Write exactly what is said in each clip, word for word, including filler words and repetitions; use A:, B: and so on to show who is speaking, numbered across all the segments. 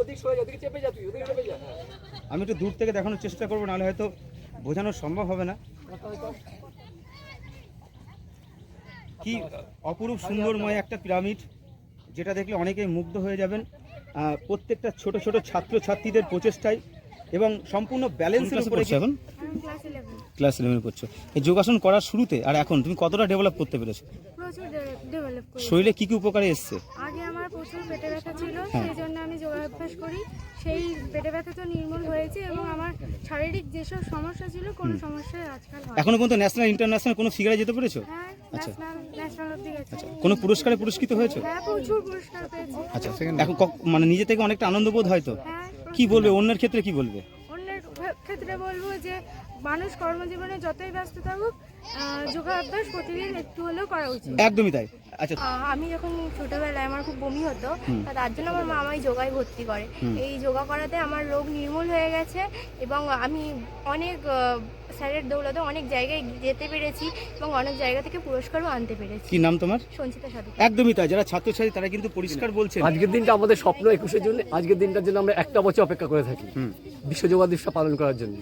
A: আমি একটু দূর থেকে দেখানোর চেষ্টা করবো, নাহলে হয়তো বোঝানো সম্ভব হবে না। কি অপরূপ সুন্দরময় একটা পিরামিড, যেটা দেখলে অনেকেই মুগ্ধ হয়ে যাবেন। প্রত্যেকটা ছোট ছোট ছাত্রছাত্রীদের প্রচেষ্টায় এবং সম্পূর্ণ ব্যালেন্সের উপরে। এখন ক্লাস ইলেভেনে পড়ছো। এই যোগাসন করার শুরুতে আর এখন তুমি কতটা ডেভেলপ করতে পেরেছো? শরীরে কি কি উপকারে এসছে?
B: আগে আমার প্রচুর পেটে ব্যথা ছিল, সেই জন্য আমি যোগাভ্যাস করি। সেই পেটে ব্যথা তো নির্মূল হয়েছে এবং আমার শারীরিক যেসব সমস্যা ছিল কোনো সমস্যাই আজকাল হয় না।
A: এখনো পর্যন্ত ন্যাশনাল ইন্টারন্যাশনাল কোনো ফিগারে যেতে পেরেছো?
B: হ্যাঁ, ন্যাশনাল ন্যাশনাল অবধি গেছি।
A: আচ্ছা, কোনো পুরস্কারে পুরস্কৃত হয়েছো?
B: হ্যাঁ, প্রচুর পুরস্কার পেয়েছি।
A: আচ্ছা, এখন মানে নিজে থেকে অনেকটা আনন্দ বোধ হয়তো।
B: হ্যাঁ।
A: কি বলবে অন্যের ক্ষেত্রে, কি বলবে?
B: অন্যের ক্ষেত্রে বলবো যে মানুষ কর্মজীবনে যতই ব্যস্ত থাকুক, যোগাভ্যাস প্রতিদিন একটু হলেও করা উচিত।
A: একদমই তাই। আচ্ছা,
B: আমি যখন ছোটবেলায় আমার খুব বমি হতো, তার জন্য আমার মা আমায় যোগায় ভর্তি করে। এই যোগা করাতে আমার রোগ নির্মূল হয়ে গেছে এবং আমি অনেক স্যারের দৌলতে অনেক জায়গায় যেতে পেরেছি এবং অনেক জায়গা থেকে পুরস্কারও আনতে পেরেছি।
A: কি নাম তোমার?
B: সঞ্চিতা সাধু।
A: একদমই তাই, যারা ছাত্রছাত্রী তারা কিন্তু পরিষ্কার বলছে
C: আজকের দিনটা আমাদের স্বপ্ন একুশের জন্য, আজকের দিনটার জন্য আমরা একটা বছর অপেক্ষা করে থাকি বিশ্ব যোগা দিবস পালন করার জন্য।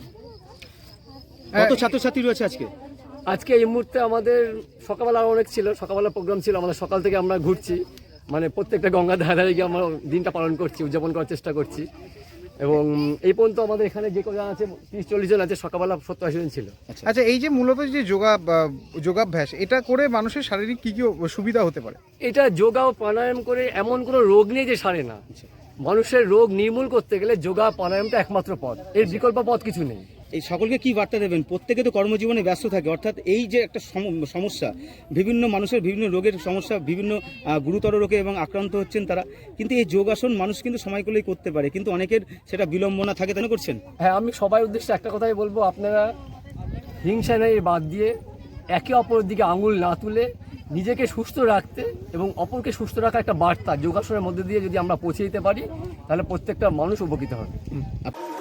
A: কত ছাত্রছাত্রী রয়েছে আজকে?
C: আজকে এই মুহূর্তে আমাদের সকালবেলা অনেক ছিল, সকালবেলা প্রোগ্রাম ছিল আমাদের, সকাল থেকে আমরা ঘুরছি, মানে প্রত্যেকটা গঙ্গা ধারে গিয়ে আমরা দিনটা পালন করছি, উদযাপন করার চেষ্টা করছি। এবং এই পর্যন্ত আমাদের এখানে যে কজন আছে তিরিশ চল্লিশ জন আছে, সকালবেলা সত্তর আশি জন ছিল।
D: আচ্ছা, এই যে মূলত যে যোগা যোগাভ্যাস, এটা করে মানুষের শারীরিক কি কি সুবিধা হতে পারে?
C: এটা যোগা ও প্রাণায়াম করে এমন কোনো রোগ নেই যে সারে না। মানুষের রোগ নির্মূল করতে গেলে যোগা প্রাণায়ামটা একমাত্র পথ, এর বিকল্প পথ কিছু নেই।
A: এই সকলকে কি বার্তা দেবেন? প্রত্যেকে তো কর্মজীবনে ব্যস্ত থাকে, অর্থাৎ এই যে একটা সমস্যা, বিভিন্ন মানুষের বিভিন্ন রোগের সমস্যা, বিভিন্ন গুরুতর রোগে এবং আক্রান্ত হচ্ছেন তারা, কিন্তু এই যোগাসন মানুষ কিন্তু সময় করলেই করতে পারে, কিন্তু অনেকের সেটা বিলম্বনা থাকে, তাই করছেন।
C: হ্যাঁ, আমি সবাই উদ্দেশ্যে একটা কথাই বলবো, আপনারা হিংসা নেই বাদ দিয়ে একে অপরের দিকে আঙুল না তুলে নিজেকে সুস্থ রাখতে এবং অপরকে সুস্থ রাখা একটা বার্তা যোগাসনের মধ্যে দিয়ে যদি আমরা পৌঁছে দিতে পারি, তাহলে প্রত্যেকটা মানুষ উপকৃত হবে।